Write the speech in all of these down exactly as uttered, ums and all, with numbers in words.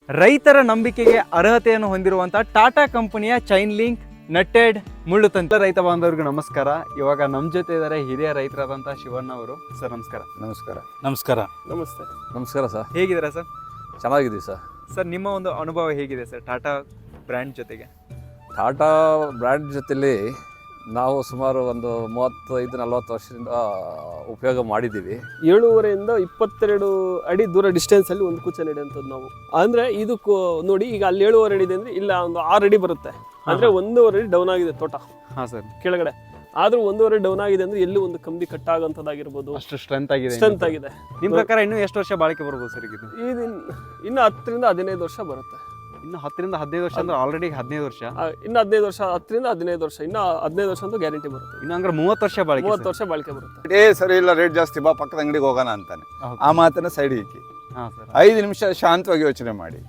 ರೈತರ ನಂಬಿಕೆಗೆ ಅರ್ಹತೆಯನ್ನು ಹೊಂದಿರುವಂಥ ಟಾಟಾ ಕಂಪನಿಯ ಚೈನ್ ಲಿಂಕ್ ನಟ್ಟೆಡ್ ಮುಳ್ಳು ತಂತ್ರ. ರೈತ ಬಾಂಧವರಿಗೂ ನಮಸ್ಕಾರ. ಇವಾಗ ನಮ್ಮ ಜೊತೆ ಇದ್ದಾರೆ ಹಿರಿಯ ರೈತರಾದಂಥ ಶಿವಣ್ಣ ಅವರು. ಸರ್ ನಮಸ್ಕಾರ. ನಮಸ್ಕಾರ. ನಮಸ್ಕಾರ. ನಮಸ್ತೆ. ನಮಸ್ಕಾರ ಸರ್. ಹೇಗಿದ್ದೀರಾ ಸರ್? ಚೆನ್ನಾಗಿದ್ದೀವಿ ಸರ್. ಸರ್ ನಿಮ್ಮ ಒಂದು ಅನುಭವ ಹೇಗಿದೆ ಸರ್ ಟಾಟಾ ಬ್ರ್ಯಾಂಡ್ ಜೊತೆಗೆ? ಟಾಟಾ ಬ್ರ್ಯಾಂಡ್ ಜೊತೆಲಿ ನಾವು ಸುಮಾರು ಒಂದು ಮೂವತ್ತೈದು ನಲ್ವತ್ತು ವರ್ಷದಿಂದ ಉಪಯೋಗ ಮಾಡಿದ್ದೀವಿ. ಏಳುವರೆಯಿಂದ ಇಪ್ಪತ್ತೆರಡು ಅಡಿ ದೂರ ಡಿಸ್ಟೆನ್ಸಲ್ಲಿ ಒಂದು ಕುಚ್ಚ ನೆಡುವಂಥದ್ದು ನಾವು. ಅಂದರೆ ಇದು ನೋಡಿ, ಈಗ ಅಲ್ಲಿ ಏಳುವರೆ ಅಡಿ ಇದೆ ಅಂದರೆ ಇಲ್ಲ ಒಂದು ಆರು ಅಡಿ ಬರುತ್ತೆ. ಅಂದರೆ ಒಂದೂವರೆ ಅಡಿ ಡೌನ್ ಆಗಿದೆ ತೋಟ. ಹಾಂ ಸರ್. ಕೆಳಗಡೆ ಆದ್ರೂ ಒಂದೂವರೆ ಡೌನ್ ಆಗಿದೆ ಅಂದ್ರೆ ಎಲ್ಲಿ ಒಂದು ಕಂಬಿ ಕಟ್ ಆಗೋಂಥದ್ದಾಗಿರ್ಬೋದು. ಅಷ್ಟು ಸ್ಟ್ರೆಂತ್ ಆಗಿದೆ. ಸ್ಟ್ರೆಂತ್ ಆಗಿದೆ. ನಿಮ್ಮ ಪ್ರಕಾರ ಇನ್ನೂ ಎಷ್ಟು ವರ್ಷ ಬಾಳಿಕೆ ಬರ್ಬೋದು ಸರ್ ಇದು? ಇದು ಇನ್ನು ಹತ್ತರಿಂದ ಹದಿನೈದು ವರ್ಷ ಬರುತ್ತೆ. ಇನ್ನು ಹತ್ತರಿಂದ ಹದಿನೈದು ವರ್ಷ ಅಂದ್ರೆ ಆಲ್ರೆಡಿ ಹದಿನೈದು ವರ್ಷ. ಇನ್ನು ಹದಿನೈದು ವರ್ಷ ಹತ್ತರಿಂದ ಹದಿನೈದು ವರ್ಷ ಇನ್ನು ಹದಿನೈದು ವರ್ಷ ಅಂತೂ ಗ್ಯಾರಂಟಿ ಬರುತ್ತೆ. ಇನ್ನು ಅಂದ್ರೆ ಮೂವತ್ತು ವರ್ಷ ಬಾಳಿಕೆ. ಮೂವತ್ತು ವರ್ಷ ಬಾಳಿಕೆ ಬರುತ್ತೆ. ಏ ಸರಿ ಇಲ್ಲ, ರೇಟ್ ಜಾಸ್ತಿ, ಬಾ ಪಕ್ಕದ ಅಂಗಡಿಗೆ ಹೋಗೋಣ ಅಂತಾನೆ. ಆ ಮಾತನ್ನ ಸೈಡ್ ಇಕ್ಕಿ ಐದು ನಿಮಿಷ ಶಾಂತವಾಗಿ ಯೋಚನೆ ಮಾಡಿ.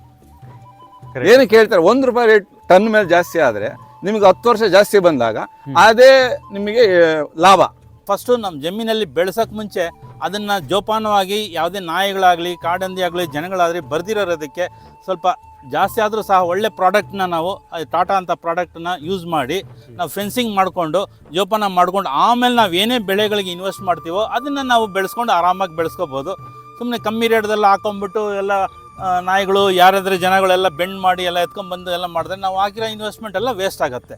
ಏನು ಕೇಳ್ತಾರೆ, ಒಂದು ರೂಪಾಯಿ ರೇಟ್ ಟನ್ ಮೇಲೆ ಜಾಸ್ತಿ ಆದ್ರೆ ನಿಮಗೆ ಹತ್ತು ವರ್ಷ ಜಾಸ್ತಿ ಬಂದಾಗ ಅದೇ ನಿಮಗೆ ಲಾಭ. ಫಸ್ಟು ನಮ್ಮ ಜಮೀನಲ್ಲಿ ಬೆಳೆಸೋಕೆ ಮುಂಚೆ ಅದನ್ನು ಜೋಪಾನವಾಗಿ ಯಾವುದೇ ನಾಯಿಗಳಾಗಲಿ ಕಾಡಂದಿ ಆಗಲಿ ಜನಗಳಾಗಲಿ ಬರ್ದಿರೋದಕ್ಕೆ ಸ್ವಲ್ಪ ಜಾಸ್ತಿ ಆದರೂ ಸಹ ಒಳ್ಳೆ ಪ್ರಾಡಕ್ಟ್ನ ನಾವು ಟಾಟಾ ಅಂತ ಪ್ರಾಡಕ್ಟನ್ನ ಯೂಸ್ ಮಾಡಿ ನಾವು ಫೆನ್ಸಿಂಗ್ ಮಾಡಿಕೊಂಡು ಜೋಪಾನ ಮಾಡ್ಕೊಂಡು ಆಮೇಲೆ ನಾವು ಏನೇ ಬೆಳೆಗಳಿಗೆ ಇನ್ವೆಸ್ಟ್ ಮಾಡ್ತೀವೋ ಅದನ್ನು ನಾವು ಬೆಳೆಸ್ಕೊಂಡು ಆರಾಮಾಗಿ ಬೆಳೆಸ್ಕೋಬೋದು. ಸುಮ್ಮನೆ ಕಮ್ಮಿ ರೇಟ್ದೆಲ್ಲ ಹಾಕೊಂಡ್ಬಿಟ್ಟು ಎಲ್ಲ ನಾಯಿಗಳು ಯಾರಾದ್ರೆ ಜನಗಳೆಲ್ಲ ಬೆಂಡ್ ಮಾಡಿ ಎಲ್ಲ ಎತ್ಕೊಂಡ್ಬಂದು ಎಲ್ಲ ಮಾಡಿದ್ರೆ ನಾವು ಹಾಕಿರೋ ಇನ್ವೆಸ್ಟ್ಮೆಂಟ್ ಎಲ್ಲ ವೇಸ್ಟ್ ಆಗುತ್ತೆ.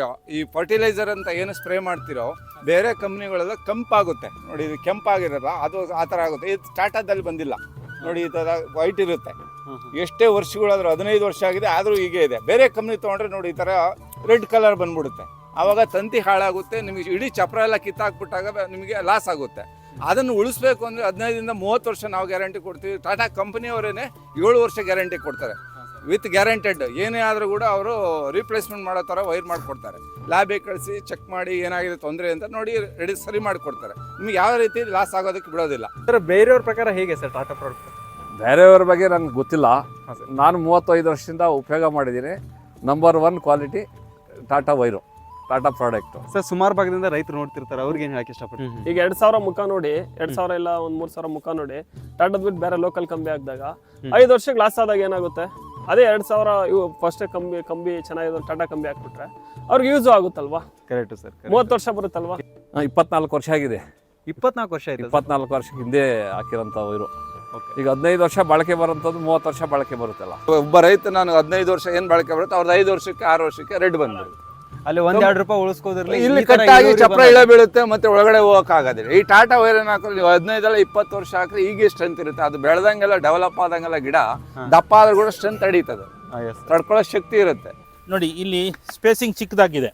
ಈ ಫರ್ಟಿಲೈಸರ್ ಅಂತ ಏನು ಸ್ಪ್ರೇ ಮಾಡ್ತಿರೋ ಬೇರೆ ಕಂಪ್ನಿಗಳೆಲ್ಲ ಕೆಂಪಾಗುತ್ತೆ ನೋಡಿ, ಇದು ಕೆಂಪಾಗಿರಲ್ಲ, ಅದು ಆ ಥರ ಆಗುತ್ತೆ. ಇದು ಟಾಟಾದಲ್ಲಿ ಬಂದಿಲ್ಲ ನೋಡಿ, ಈ ಥರ ವೈಟ್ ಇರುತ್ತೆ. ಎಷ್ಟೇ ವರ್ಷಗಳಾದ್ರೂ ಹದಿನೈದು ವರ್ಷ ಆಗಿದೆ ಆದರೂ ಹೀಗೆ ಇದೆ. ಬೇರೆ ಕಂಪ್ನಿ ತೊಗೊಂಡ್ರೆ ನೋಡಿ ಈ ಥರ ರೆಡ್ ಕಲರ್ ಬಂದ್ಬಿಡುತ್ತೆ. ಆವಾಗ ತಂತಿ ಹಾಳಾಗುತ್ತೆ, ನಿಮಗೆ ಇಡೀ ಚಪ್ರ ಎಲ್ಲ ಕಿತ್ತಾಕ್ಬಿಟ್ಟಾಗ ನಿಮಗೆ ಲಾಸ್ ಆಗುತ್ತೆ. ಅದನ್ನು ಉಳಿಸ್ಬೇಕು ಅಂದರೆ ಹದಿನೈದರಿಂದ ಮೂವತ್ತು ವರ್ಷ ನಾವು ಗ್ಯಾರಂಟಿ ಕೊಡ್ತೀವಿ. ಟಾಟಾ ಕಂಪನಿಯವರೇನೆ ಏಳು ವರ್ಷ ಗ್ಯಾರಂಟಿ ಕೊಡ್ತಾರೆ ವಿತ್ ಗ್ಯಾರಂಟೆಡ್. ಏನೇ ಆದರೂ ಕೂಡ ಅವರು ರೀಪ್ಲೇಸ್ಮೆಂಟ್ ಮಾಡೋ ಥರ ವೈರ್ ಮಾಡಿಕೊಡ್ತಾರೆ. ಲ್ಯಾಬಿಗೆ ಕಳಿಸಿ ಚೆಕ್ ಮಾಡಿ ಏನಾಗಿದೆ ತೊಂದರೆ ಅಂತ ನೋಡಿ ರೆಡಿ ಸರಿ ಮಾಡಿಕೊಡ್ತಾರೆ. ನಿಮ್ಗೆ ಯಾವ ರೀತಿ ಲಾಸ್ ಆಗೋದಕ್ಕೆ ಬಿಡೋದಿಲ್ಲ. ಸರ್ ಬೇರೆಯವ್ರ ಪ್ರಕಾರ ಹೇಗೆ ಸರ್ ಟಾಟಾ ಪ್ರಾಡಕ್ಟ್? ಬೇರೆಯವ್ರ ಬಗ್ಗೆ ನಂಗೆ ಗೊತ್ತಿಲ್ಲ. ನಾನು ಮೂವತ್ತೈದು ವರ್ಷದಿಂದ ಉಪಯೋಗ ಮಾಡಿದ್ದೀನಿ. Number one quality Tata wire, Tata product. Sir ಸುಮಾರು ಭಾಗದಿಂದ ರೈತರು ನೋಡ್ತಿರ್ತಾರೆ, ಅವ್ರಿಗೆ ಏನು ಹೇಳಕ್ಕೆ ಇಷ್ಟಪಡ್ತೀನಿ? ಈಗ ಎರಡು ಸಾವಿರ ಮುಖ ನೋಡಿ, ಎರಡು ಸಾವಿರ ಇಲ್ಲ ಒಂದು ಮೂರು ಸಾವಿರ ಮುಖ ನೋಡಿ ಟಾಟಾದ ಬಿಟ್ಟು ಬೇರೆ ಲೋಕಲ್ ಕಂಬಿ ಹಾಕಿದಾಗ ಐದು ವರ್ಷಕ್ಕೆ ಲಾಸ್ ಆದಾಗ ಏನಾಗುತ್ತೆ, ಅದೇ ಎರಡು ಸಾವಿರ ಇವು ಫಸ್ಟ್ ಕಂಬಿ ಕಂಬಿ ಚೆನ್ನಾಗಿದೆ ಟಾಟಾ ಕಂಬಿ ಹಾಕ್ಬಿಟ್ರೆ ಅವ್ರಿಗೆ ಯೂಸ್ ಆಗುತ್ತಲ್ವಾ? Correct sir. ಮೂವತ್ತು ವರ್ಷ ಬರುತ್ತಲ್ವಾ? ಇಪ್ಪತ್ನಾಲ್ಕು ವರ್ಷ ಆಗಿದೆ. ಇಪ್ಪತ್ನಾಲ್ಕು ವರ್ಷ ಆಯ್ತು. ಇಪ್ಪತ್ನಾಲ್ಕು ವರ್ಷ ಹಿಂದೆ ಹಾಕಿರೋಂಥ ವೈರು ಈಗ ಹದಿನೈದು ವರ್ಷ ಬಳಕೆ ಬರೋಂಥದ್ದು ಮೂವತ್ತು ವರ್ಷ ಬಳಕೆ ಬರುತ್ತಲ್ಲ. ಒಬ್ಬ ರೈತ ನಾನು ಹದಿನೈದು ವರ್ಷ ಏನು ಬಳಕೆ ಬರುತ್ತೆ, ಅವ್ರದ್ದು ಐದು ವರ್ಷಕ್ಕೆ ಆರು ವರ್ಷಕ್ಕೆ ರೆಡ್ ಬಂದ್ಬಿಡುತ್ತೆ. ಅಲ್ಲಿ ಒಂದ್ ಎರಡು ರೂಪಾಯಿ ಉಳಿಸ್ಕೋದ್ರಲ್ಲಿ ಇಲ್ಲಿ ಕಟ್ಟಾಗಿ ಚಪ್ರ ಇಳ ಬೀಳುತ್ತೆ, ಮತ್ತೆ ಒಳಗಡೆ ಹೋಗಕ್ ಆಗೋದಿಲ್ಲ. ಈ ಟಾಟಾ ವೈರನ್ ಹಾಕಿದ್ರೆ ನೀವು ಹದಿನೈದಲ್ಲ ಇಪ್ಪತ್ತು ವರ್ಷ ಹಾಕಿದ್ರೆ ಈಗ ಸ್ಟ್ರೆಂತ್ ಇರುತ್ತೆ. ಅದು ಬೆಳೆದಂಗೆಲ್ಲ ಡೆವಲಪ್ ಆದಂಗೆಲ್ಲ ಗಿಡ ದಪ್ಪ ಆದ್ರೂ ಕೂಡ ಸ್ಟ್ರೆಂತ್ ಅಡೀತದೆ, ತಡ್ಕೊಳ್ಳೋ ಶಕ್ತಿ ಇರುತ್ತೆ. ನೋಡಿ ಇಲ್ಲಿ ಸ್ಪೇಸಿಂಗ್ ಚಿಕ್ಕದಾಗಿದೆ,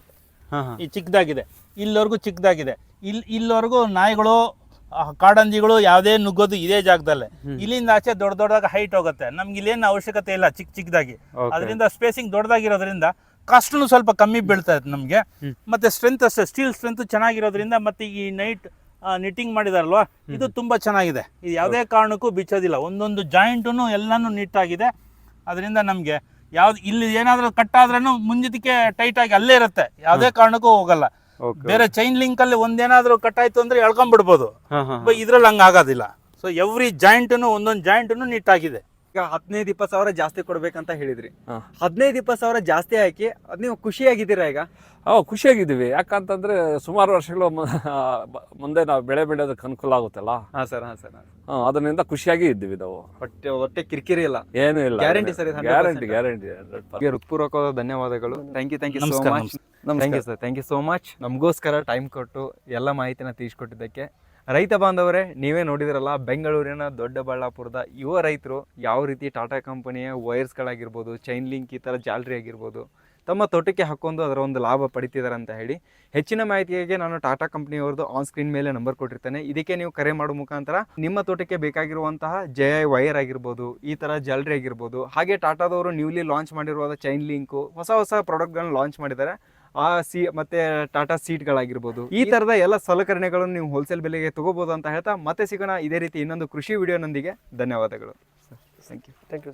ಈ ಚಿಕ್ಕದಾಗಿದೆ, ಇಲ್ಲಿವರೆಗೂ ಚಿಕ್ಕದಾಗಿದೆ, ಇಲ್ಲಿ ಇಲ್ಲಿವರೆಗೂ ನಾಯಿಗಳು ಕಾಡಂಜಿಗಳು ಯಾವುದೇ ನುಗ್ಗೋದು ಇದೇ ಜಾಗದಲ್ಲೇ. ಇಲ್ಲಿಂದ ಆಚೆ ದೊಡ್ಡ ದೊಡ್ಡದಾಗ ಹೈಟ್ ಹೋಗುತ್ತೆ. ನಮ್ಗೆ ಇಲ್ಲೇನು ಅವಶ್ಯಕತೆ ಇಲ್ಲ ಚಿಕ್ಕ ಚಿಕ್ಕದಾಗಿ. ಅದರಿಂದ ಸ್ಪೇಸಿಂಗ್ ದೊಡ್ಡದಾಗಿರೋದ್ರಿಂದ ಕಾಸ್ಟ್ನು ಸ್ವಲ್ಪ ಕಮ್ಮಿ ಬೀಳ್ತಾ ಇತ್ತು ನಮಗೆ. ಮತ್ತೆ ಸ್ಟ್ರೆಂತ್ ಅಷ್ಟೇ, ಸ್ಟೀಲ್ ಸ್ಟ್ರೆಂತ್ ಚೆನ್ನಾಗಿರೋದ್ರಿಂದ ಮತ್ತೆ ಈ ನೈಟ್ ನಿಟ್ಟಿಂಗ್ ಮಾಡಿದಾರಲ್ವಾ, ಇದು ತುಂಬಾ ಚೆನ್ನಾಗಿದೆ. ಇದು ಯಾವುದೇ ಕಾರಣಕ್ಕೂ ಬಿಚ್ಚೋದಿಲ್ಲ. ಒಂದೊಂದು ಜಾಯಿಂಟು ಎಲ್ಲಾನು ನೀಟಾಗಿದೆ. ಅದರಿಂದ ನಮಗೆ ಯಾವ್ದು ಇಲ್ಲಿ ಏನಾದ್ರೂ ಕಟ್ ಆದ್ರೂ ಮುಂಜಿದಕ್ಕೆ ಟೈಟ್ ಆಗಿ ಅಲ್ಲೇ ಇರುತ್ತೆ, ಯಾವುದೇ ಕಾರಣಕ್ಕೂ ಹೋಗಲ್ಲ. ಬೇರೆ ಚೈನ್ ಲಿಂಕ್ ಅಲ್ಲಿ ಒಂದೇನಾದ್ರೂ ಕಟ್ ಆಯ್ತು ಅಂದ್ರೆ ಎಳ್ಕೊಂಡ್ಬಿಡ್ಬೋದು, ಇದ್ರಲ್ಲಿ ಹಂಗ ಆಗೋದಿಲ್ಲ. ಸೊ ಎವ್ರಿ ಜಾಯಿಂಟ್ನು ಒಂದೊಂದು ಜಾಯಿಂಟ್ನು ನೀಟ್ ಆಗಿದೆ. ಈಗ ಹದಿನೈದು ಇಪ್ಪತ್ತು ಸಾವಿರ ಜಾಸ್ತಿ ಕೊಡ್ಬೇಕಂತ ಹೇಳಿದ್ರಿ. ಹದಿನೈದು ಇಪ್ಪತ್ತು ಸಾವಿರ ಜಾಸ್ತಿ ಹಾಕಿ ಅದ್ ನೀವು ಖುಷಿಯಾಗಿದ್ದೀರಾ ಈಗ? ಅವ್ ಖುಷಿಯಾಗಿದ್ದೀವಿ. ಯಾಕಂತಂದ್ರೆ ಸುಮಾರು ವರ್ಷಗಳು ಮುಂದೆ ನಾವು ಬೆಳೆ ಬೆಳೆಯೋದಕ್ಕೆ ಅನುಕೂಲ ಆಗುತ್ತಲ್ಲ. ಹಾ ಸರ್. ಹಾ ಸರ್. ಅದರಿಂದ ಖುಷಿಯಾಗಿ ಇದ್ದೀವಿ ನಾವು. ಹೊಟ್ಟೆ ಹೊಟ್ಟೆ ಕಿರಿಕಿರಿ ಇಲ್ಲ, ಏನು ಇಲ್ಲ. Guarantee sir. Guarantee guarantee. ಹೃತ್ಪೂರ್ವಕವಾದ ಧನ್ಯವಾದಗಳು. Thank you thank you so much. Thank you sir. Thank you so much. ನಮಗೋಸ್ಕರ ಟೈಮ್ ಕೊಟ್ಟು ಎಲ್ಲ ಮಾಹಿತಿನ ತಿಳಿಸ್ಕೊಟ್ಟಿದ್ದಕ್ಕೆ. ರೈತ ಬಾಂಧವರೇ, ನೀವೇ ನೋಡಿದ್ರಲ್ಲ, ಬೆಂಗಳೂರಿನ ದೊಡ್ಡಬಳ್ಳಾಪುರದ ಯುವ ರೈತರು ಯಾವ ರೀತಿ ಟಾಟಾ ಕಂಪನಿಯ ವೈರ್ಸ್ಗಳಾಗಿರ್ಬೋದು, ಚೈನ್ ಲಿಂಕ್ ಈ ಥರ ಜಾಲರಿ ಆಗಿರ್ಬೋದು ತಮ್ಮ ತೋಟಕ್ಕೆ ಹಾಕೊಂಡು ಅದರ ಒಂದು ಲಾಭ ಪಡಿತಿದ್ದಾರೆ ಅಂತ ಹೇಳಿ. ಹೆಚ್ಚಿನ ಮಾಹಿತಿಗೆ ನಾನು ಟಾಟಾ ಕಂಪ್ನಿಯವ್ರದ್ದು ಆನ್ ಸ್ಕ್ರೀನ್ ಮೇಲೆ ನಂಬರ್ ಕೊಟ್ಟಿರ್ತೇನೆ. ಇದಕ್ಕೆ ನೀವು ಕರೆ ಮಾಡೋ ಮುಖಾಂತರ ನಿಮ್ಮ ತೋಟಕ್ಕೆ ಬೇಕಾಗಿರುವಂತಹ ಜೆ ಐ ವೈರ್ ಆಗಿರ್ಬೋದು, ಈ ಥರ ಜಾಲರಿ ಆಗಿರ್ಬೋದು, ಹಾಗೆ ಟಾಟಾದವರು ನ್ಯೂಲಿ ಲಾಂಚ್ ಮಾಡಿರುವ ಚೈನ್ ಲಿಂಕು, ಹೊಸ ಹೊಸ ಪ್ರಾಡಕ್ಟ್ಗಳನ್ನ ಲಾಂಚ್ ಮಾಡಿದ್ದಾರೆ. ಆ ಸಿ ಮತ್ತೆ ಟಾಟಾ ಸೀಟ್ಗಳಾಗಿರ್ಬೋದು, ಈ ಥರದ ಎಲ್ಲ ಸಲಕರಣೆಗಳನ್ನು ನೀವು ಹೋಲ್ಸೇಲ್ ಬೆಲೆಗೆ ತಗೋಬೋದು ಅಂತ ಹೇಳ್ತಾ ಮತ್ತೆ ಸಿಗೋಣ ಇದೇ ರೀತಿ ಇನ್ನೊಂದು ಕೃಷಿ ವಿಡಿಯೋನೊಂದಿಗೆ. ಧನ್ಯವಾದಗಳು. Thank you. Thank you.